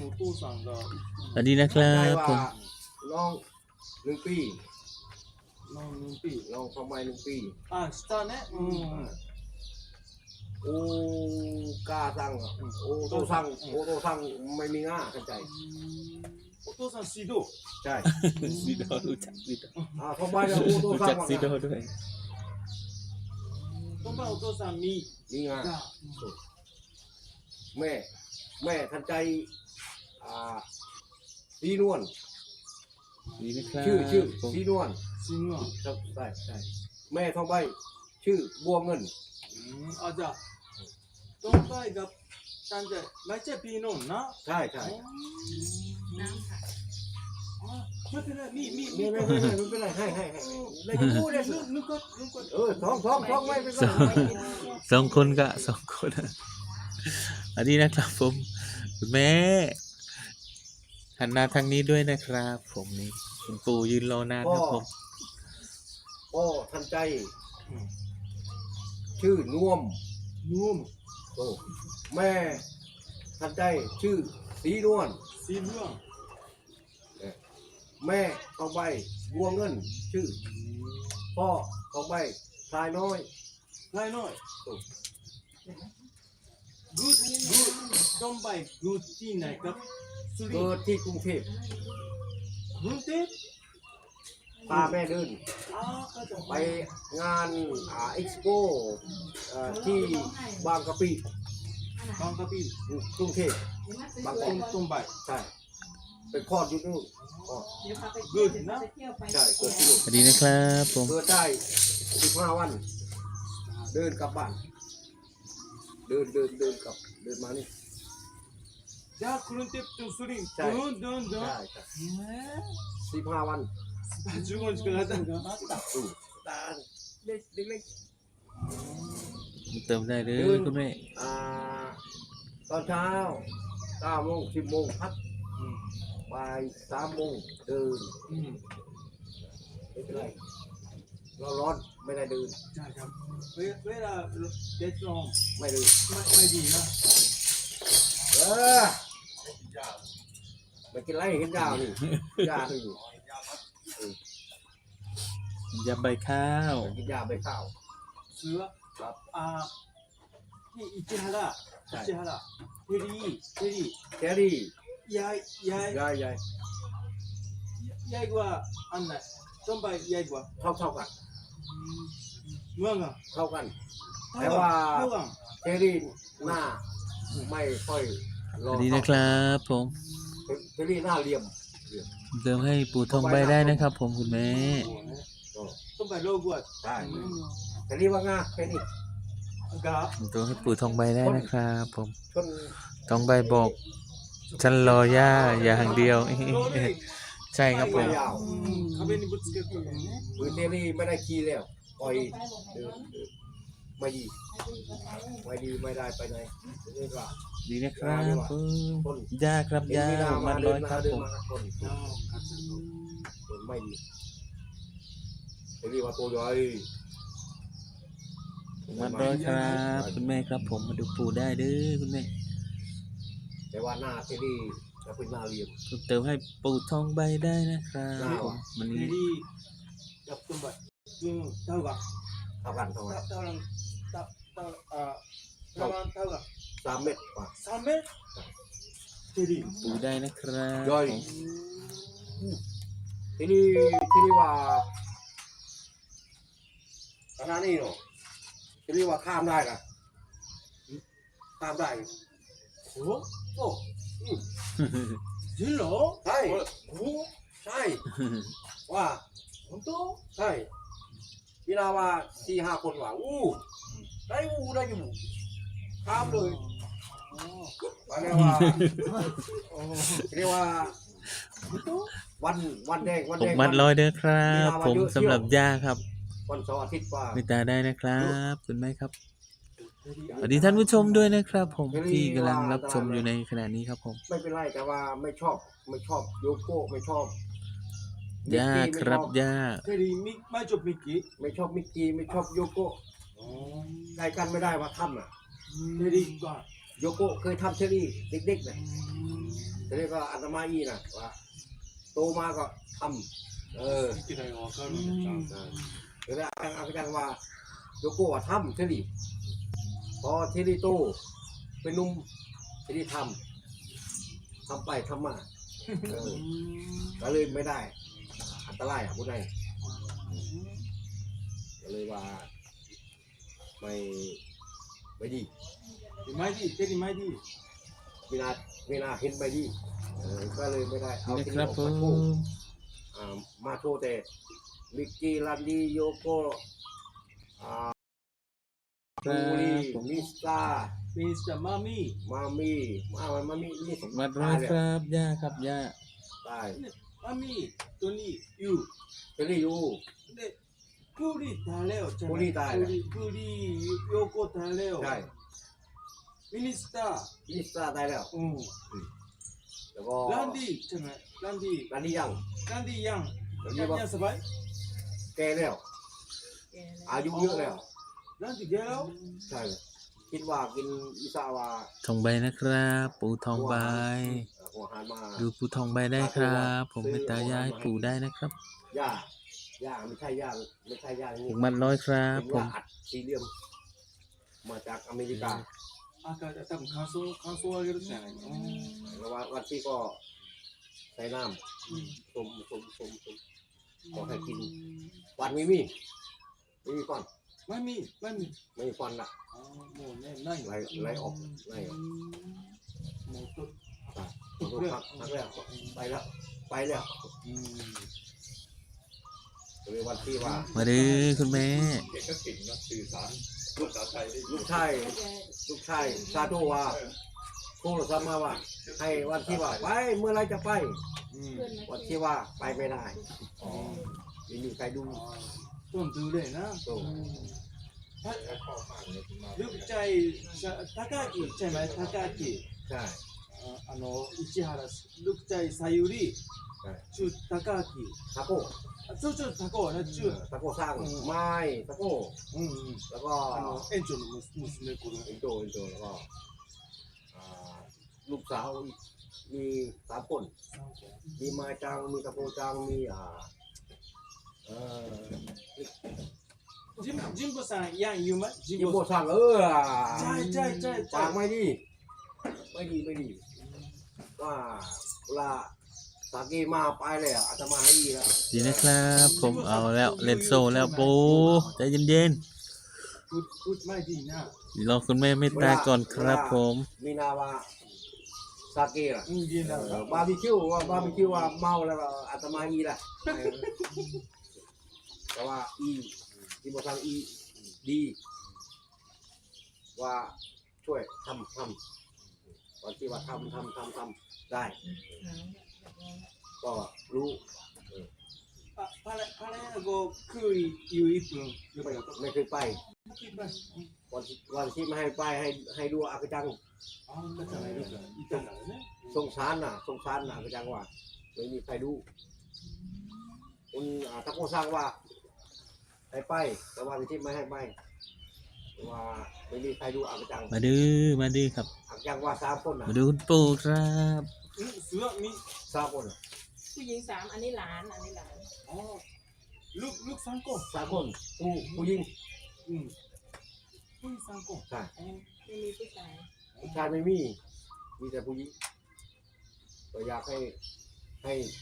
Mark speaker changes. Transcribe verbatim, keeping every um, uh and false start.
Speaker 1: สวัสดีนะครับผม
Speaker 2: ลองหนึ่งปี
Speaker 3: ลองหนึ่งปี
Speaker 2: ลองทำไมหนึ่งปี
Speaker 3: อ่าสตาร์เนี่ยอืม
Speaker 2: โอ้กาสั่งโอ้โตสั่งโอ้โตสั่งไม่มีง่าเข้าใจ
Speaker 3: โอโตซังซีโด
Speaker 2: ใช่
Speaker 1: ซีโดรู้จักซีโด
Speaker 2: อ่าทำไมเนี่ยโอ้โต
Speaker 1: รู้
Speaker 2: สั่ง
Speaker 1: จักซีโดด้วย
Speaker 3: ทำไมโอโตซังมี
Speaker 2: มีง่าแม่แม่ทันใจอ่าสีนวล
Speaker 1: ดีนะครับ
Speaker 2: ชื่อชื่อสีนวล
Speaker 3: จริงเหรอ
Speaker 2: ใช่ใช่แม่ทองใบชื่อบัวเงิน
Speaker 3: อืมอาจารย์ทองใบกับตันใจไม่ใช่พี่น้องนะ
Speaker 2: ใช่ใช่
Speaker 4: น้ำค่ะ
Speaker 3: ไม่เป็นไรมีมี
Speaker 2: มีไม่ไม่ไม่ไม่เป็นไรให้ให้ให้ได้พูดได้สิ
Speaker 3: นึกก็นึกก็
Speaker 2: เออท้องท้องท้องไม่เป็นไร
Speaker 1: สองคนก็สองคนอันนี้นะครับผมแม่หันหน้าทางนี้ด้วยนะครับผมนี่คุณปู่ยืนรอนานครับผม
Speaker 2: พ่อทันใจชื่อน่วม
Speaker 3: นุ่ม
Speaker 2: โอ้แม่ทันใจชื่อสีนวล
Speaker 3: สีเหลือง
Speaker 2: แม่ทองใบบัวเงินชื่อพ่อทองใบชายน้อย
Speaker 3: ลายน้อยกูดกูดทองใบกูดที่ไหนครับสุรินท
Speaker 2: เกิด
Speaker 3: ร์
Speaker 2: ที่กรุงเทพ
Speaker 3: กรุงเทพ
Speaker 2: พาแม่เดิน
Speaker 3: อ๋อเข้าใจ
Speaker 2: ไปงานอ่าเอ็กซ์โปที่บางกะปิ
Speaker 3: บางกะปิ
Speaker 2: กรุงเทพบางก
Speaker 3: ต้
Speaker 2: อก
Speaker 3: มต้มใบ
Speaker 2: ใช่ไปคลอดอยู่นู่นอ๋อ
Speaker 3: กูดนะ
Speaker 2: ใช่เกิดที่นู่น
Speaker 1: สวัสดีนะครับผม
Speaker 2: เกิดได้สิบห้าวันเดินกลับบ้านเดินเดินเดินกลับเดินมานี่
Speaker 3: จากกรุงเทพถึงสุรินทร์เดินเดินเดิน
Speaker 2: ใช่ใช่สิบห้าวัน
Speaker 3: จุกจิกแล้วกัน
Speaker 2: อืมตาเล็กเล็ก
Speaker 1: เติมได้เลยคุณแม่
Speaker 2: อ่าตอนเช้าเก้าโมงสิบโมงพักบ่ายสามโมงเดินไม่เป็นไรเราร้อนไม่ได้เดิน
Speaker 3: ใช่ครับเวลาเด็ดลง
Speaker 2: ไม่เดิน
Speaker 3: ไม่ไม่ดีนะ
Speaker 2: เออไม่กินไรเห็นยาวนี่ยาหนึ่ง
Speaker 1: ยาใบข้าว
Speaker 2: กินยาใบข้าว
Speaker 3: เสือครับอ่าที่อิจิฮาระอิจิฮาระเทรีเทรี
Speaker 2: เทรี
Speaker 3: ยายยาย
Speaker 2: ยายยาย
Speaker 3: ยายกว่าอันไหนต้นใบใหญ่กว่า
Speaker 2: เท่าเท่ากัน
Speaker 3: เมื่อไง
Speaker 2: เท่ากันแต่ว่าเทรีหน้าไม่ค่อย
Speaker 1: สวัสดีนะครับผม
Speaker 2: เทรีหน้าเหลี่ยม
Speaker 1: เติมให้ปู่ทองใบได้นะครับผมคุณแม่
Speaker 3: ต้นใบโลกว่า
Speaker 2: ใช่เทรีว่างาแค่นี้
Speaker 1: เติมให้ปู่ทองใบได้นะครับผมทองใบบอกฉันรอย่าอย่างเดียวใช่ครับผม
Speaker 2: มือเทรีไม่ได้ขี่แล้วปล่อยเดินไม่ดีไม่ดีไม่ได้ไปไหนนี่ก็
Speaker 1: ดีนะครับผมยาครับยามันร้อยครับผม
Speaker 2: ไม่ดีเทรีว่าตัวใหญ่
Speaker 1: มันร้อยครับคุณแม่ครับผมมาดูปู่ได้เด้อคุณแม่
Speaker 2: แต่ว่าหน้าเทรีจะเป็นหน้าเหลี่ยม
Speaker 1: เติมให้ปู่ทองใบได้นะครับผม
Speaker 3: มันนี้กับต้นใบเท่ากับ
Speaker 2: เท่ากันเท่ากัน
Speaker 3: เท่ากันเท่าเท่าอ่าเท่ากันเท่ากัน
Speaker 2: สามเมตรกว่า
Speaker 3: สามเมตรเทรี
Speaker 1: ปู่ได้นะครับ
Speaker 2: ย่อยทีนี้ทีนี้ว่าขนาดนี้เนาะทีนี้ว่าข้ามได้กันข้ามได้
Speaker 3: โอ้โหจริงเหรอ
Speaker 2: ใช่
Speaker 3: โอ้
Speaker 2: ใช่ว่า
Speaker 3: 本当
Speaker 2: ใช่พี่นาว่าสี่ห้าคนว่าอู้ได้อู้ได้อยู่ข้ามเลยว่าเรียกว่าเรียกว่าวันวันแดงวันแดง
Speaker 1: มัดร้อยเด้อครับผมสำหรับย่าครับ
Speaker 2: วันเสาร์อาทิตย์ว่า
Speaker 1: ไม่ตาได้นะครับคุณแม่ครับสวัสดีท่านผู้ชมด้วยนะครับผมที่กำลังรับชมอยู่ในขณะนี้ครับผม
Speaker 2: ไม่เป็นไรแต่ว่าไม่ชอบไม่ชอบโยโก้ไม่ชอบ
Speaker 1: ย่าครับย่า
Speaker 3: เทรีมิไม่ชอบมิกกี้
Speaker 2: ไม่ชอบมิกกี้ไม่ชอบโยโก้ใกล้กันไม่ได้ว่าทำอ่ะ
Speaker 3: เทรีก็
Speaker 2: โยโก้เคยทำเทรีเด็กๆนะแทีนี้ก็อาตมาอีนะว่าโตมาก็ทำเออ
Speaker 3: 生きがいがわかるんだ。
Speaker 2: เดี๋ยวอาจารย์อาจารย์ว่าโยโกะว่าทำเทลีพอเทลีโตเป็นหนุ่มเทลีทำทำไปทำมาเออก็เลยไม่ได้ อันตรายอ่ะพูดได้ก็เลยว่าไม่ไม่ดี
Speaker 3: マイディ、テリマイディ。
Speaker 2: เวลาเวลาเห็นไม่ดีเออก็เลยไม่ได้เอา
Speaker 1: นะ
Speaker 2: ที่
Speaker 1: ครับ
Speaker 2: ออก
Speaker 1: ผ
Speaker 2: มาโชว์
Speaker 1: ม
Speaker 2: อ่ามาโชว์แต่มิกกี้ลันดี้โยโกะอ่า
Speaker 1: ครั
Speaker 2: บูรี
Speaker 1: บผม
Speaker 2: มิสตา
Speaker 3: ミスターマミー。
Speaker 2: มามี่มามามี่นี่สม
Speaker 1: มาด้วยครับย่าครับย่า
Speaker 2: ได้
Speaker 3: マミー、トニー、ユー。
Speaker 2: เจอรี่ยู
Speaker 3: で、プリタレオじゃない。
Speaker 2: プリタレオ
Speaker 3: プリ、プリ、ヨコタレオ。
Speaker 2: ใช่
Speaker 3: ミニスター。
Speaker 2: มิสตาได้แล้ว
Speaker 3: うん。
Speaker 2: แล้วก็
Speaker 3: ランディじゃない。ランディ、
Speaker 2: รันดี้ยัง
Speaker 3: ランディヤン。
Speaker 2: รัน
Speaker 3: ヤ
Speaker 2: ดี้
Speaker 3: ン
Speaker 2: บอก
Speaker 3: ヤンサバイ。
Speaker 2: แกแล้ว
Speaker 4: แกแล้ว
Speaker 2: อายุเยอะแล้ว
Speaker 3: ランディゲロ。
Speaker 2: ใช่คิดว่ากินอิซาวา
Speaker 1: ทองใบนะครับ ปูทองใบ
Speaker 2: หัวหารมา
Speaker 1: ดูปูทองใบได้ครับ ผมเป็นตายายปูได้นะครับ
Speaker 2: ย่าย่าไม่ใช่ย่าไม่ใช่ย่าอย่าง
Speaker 1: อี
Speaker 2: นี้
Speaker 1: กมัดร้อยครับ
Speaker 2: เป็น
Speaker 1: ผ
Speaker 2: ย่าม อัดสี่เหลี่ยมมาจากอเมริกา
Speaker 3: あ、多分感想、感想をあげるじゃないの。
Speaker 2: แล้ววันวันที่ก็ใส่น้ำส้มส้มส้มส้มขอให้กินฟันไม่มีไม่มีฟัน
Speaker 3: マミー、マミー。
Speaker 2: ไม่มีฟันละ
Speaker 3: あーもうね、ないよ。
Speaker 2: ไล่ไล่ออกไล่ออก
Speaker 3: もうと、
Speaker 2: ตัดตัวพักพักแล้วไปแล้วไปแล้ว
Speaker 3: うん
Speaker 2: เลยวันที่ว่า
Speaker 1: มาดื้อคุณแม่
Speaker 5: เด็กก็เก่งนะสื่อสารภาษาไทยได้
Speaker 2: ลูกชายลูกชายซาโตว่าโทรศัพท์มาว่า ให้วันที่ว่าไปเมื่อไรจะไป
Speaker 3: うん。
Speaker 2: วันที่ว่าไปไม่ได้ไม่มีใครดู
Speaker 3: トンドゥレーな。
Speaker 2: โต
Speaker 5: ข้อมากเลยมา
Speaker 3: ルクチャイ、高木、チャイマイ、高木。
Speaker 2: ใช่
Speaker 3: ああの、市原、ルクチャイ、さゆり。
Speaker 2: ใช่
Speaker 3: 中、高木。
Speaker 2: ตะโก้
Speaker 3: あ、ちょちょ、高はね、中。
Speaker 2: ตะโก้สร้างไม้ตะโก้
Speaker 3: うんうん。
Speaker 2: แล้วก็
Speaker 3: あの、園長の娘、娘子の。
Speaker 2: เอ็นโจเอ็นโจแล้วก็อ่าลูกสาวอีกมีสามคนมีไม้จังมีตะโก้จังมีอ่าเอ่อ
Speaker 3: ジンジンボさん、ヤン、ユマ、ジ
Speaker 2: ยิ
Speaker 3: ン
Speaker 2: มโบ
Speaker 3: ボさん。
Speaker 2: สั่งเออ
Speaker 3: ใช่ใช่ใช่ใช่
Speaker 2: ปากไม่ดี ไม่ดีไม่ดี ว่าเวลาสากีมาไปเลยอ่ะอาตมาให้ดีแล้ว
Speaker 1: ดีนะครับ ผมเอาแล้วเล่นโซ่แล้วปูใจเย็น
Speaker 3: พูดพูดไม่ดีนะ
Speaker 1: ๆรอคุณแม่เมตตาก่อนครับผม
Speaker 2: มีนาวาสากีล่ะ
Speaker 3: อืมดีนะ
Speaker 2: เออบาร์บีคิวว่าบาร์บีคิวว่าเมาแล้วก็อาตมาอีแหละแต่ว่าอีที่บอกทางอีดีว่าช่วยทำทำวันที่ว่าทำทำทำทำได้ ก็รู้
Speaker 3: あ、パレパレーゴクイユイプンよかった。
Speaker 2: ไม่เคยไป วันที่วันที่ไม่ให้ไปให้ให้ดูอากจัง
Speaker 3: あんなじゃないですか。いたからね。
Speaker 2: สงสารน่ะสงสารน่ะอากจังว่าไม่มีใครดูคุณอ่าถ้าโคสร้างว่าให้ไป แต่ว่าที่ไม่ให้ไปว่าไม่มีใครดูอากจัง
Speaker 1: มาดื้อมาดื้อครับ
Speaker 2: อากจังว่าสามคนน่ะ
Speaker 1: มาดูคุณปู่ครับ
Speaker 3: うん、すわみ、
Speaker 2: สามคนน่ะ
Speaker 4: ผู้หญิงสามอันนี้หลานอันนี้หลาน
Speaker 3: あ、ルルク三個。
Speaker 2: สามคนผู้ผู้หญิง
Speaker 3: うん。うん、三個。
Speaker 2: ใช่
Speaker 4: ไม่มีผู้ชาย
Speaker 2: ผู้ชายไม่มี มีแต่ผู้หญิงก็อยากให้ให้